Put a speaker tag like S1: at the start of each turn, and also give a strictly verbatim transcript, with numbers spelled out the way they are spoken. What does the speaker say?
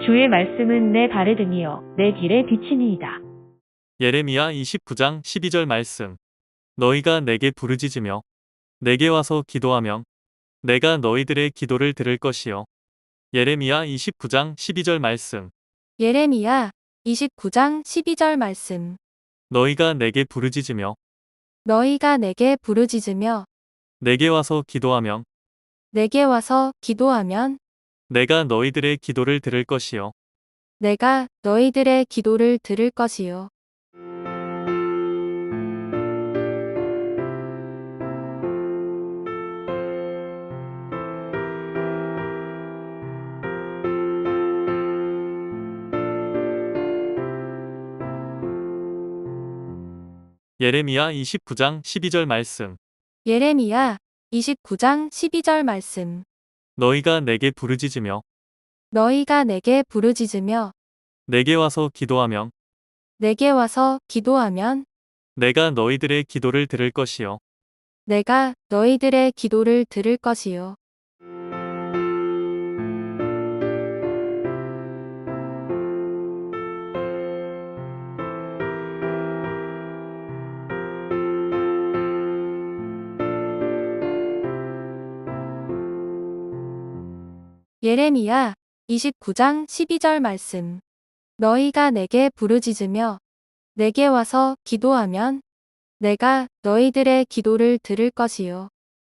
S1: 주의 말씀은 내 발에 등이요 내 길에 비치니이다.
S2: 예레미야 이십구 장 십이 절 말씀. 너희가 내게 부르짖으며 내게 와서 기도하면 내가 너희들의 기도를 들을 것이요. 예레미야 이십구 장 십이 절 말씀.
S3: 예레미야 이십구 장 십이 절 말씀.
S2: 너희가 내게 부르짖으며
S3: 너희가 내게 부르짖으며
S2: 내게 와서 기도하면
S3: 내게 와서 기도하면
S2: 내가 너희들의 기도를 들을 것이요.
S3: 내가 너희들의 기도를 들을 것이요.
S2: 예레미야 이십구 장 십이 절 말씀.
S3: 예레미야 이십구 장 십이 절 말씀.
S2: 너희가 내게 부르짖으며
S3: 너희가 내게 부르짖으며
S2: 내게 와서 기도하면
S3: 내게 와서 기도하면
S2: 내가 너희들의 기도를 들을 것이요.
S3: 내가 너희들의 기도를 들을 것이요. 예레미야 이십구 장 십이 절 말씀. 너희가 내게 부르짖으며 내게 와서 기도하면 내가 너희들의 기도를 들을 것이요.